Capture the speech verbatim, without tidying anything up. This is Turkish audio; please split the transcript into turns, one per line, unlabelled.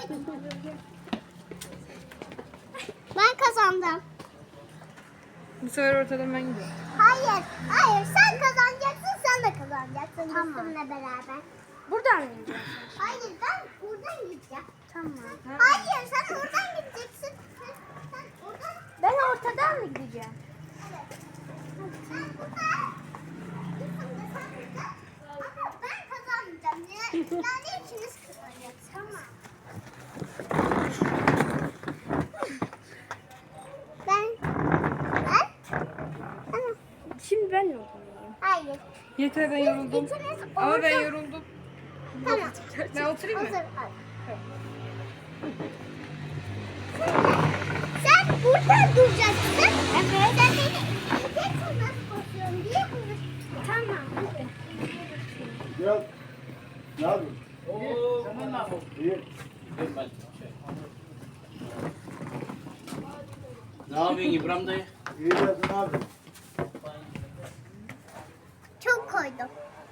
Ben kazandım.
Bu sefer ortadan ben gidiyorum.
Hayır, hayır. Sen kazanacaksın, sen de kazanacaksın. Tamam. Bizimle beraber.
Buradan mı gideceğiz?
Hayır, ben buradan gideceğim.
Tamam.
Hayır, sen oradan gideceksin. Sen, sen oradan.
Ben ortadan mı gideceğim?
Evet. Sen buradan. Sen de sen buradan. Ama ben kazanmayacağım. Yani, yani ikiniz kazanacaksınız. Tamam. Ben. Ben. Tamam.
Şimdi ben mi oturayım?
Hayır.
Yeter ben yoruldum.
İkiniz
Ama ben
orada-
yoruldum.
Tamam.
Ben oturayım mı?
Hazır. Al. Sen burada duracaksın. Evet. Sen beni izleyeceksin nasıl koşuyorum diye bunu. Tamam.
Gel. Ne yapıyorsun? Oo, sen ne yapıyorsun? İyi.
Ne yapıyorsun İbrahim dayı?
İyi geldin abi.
Çok koydum.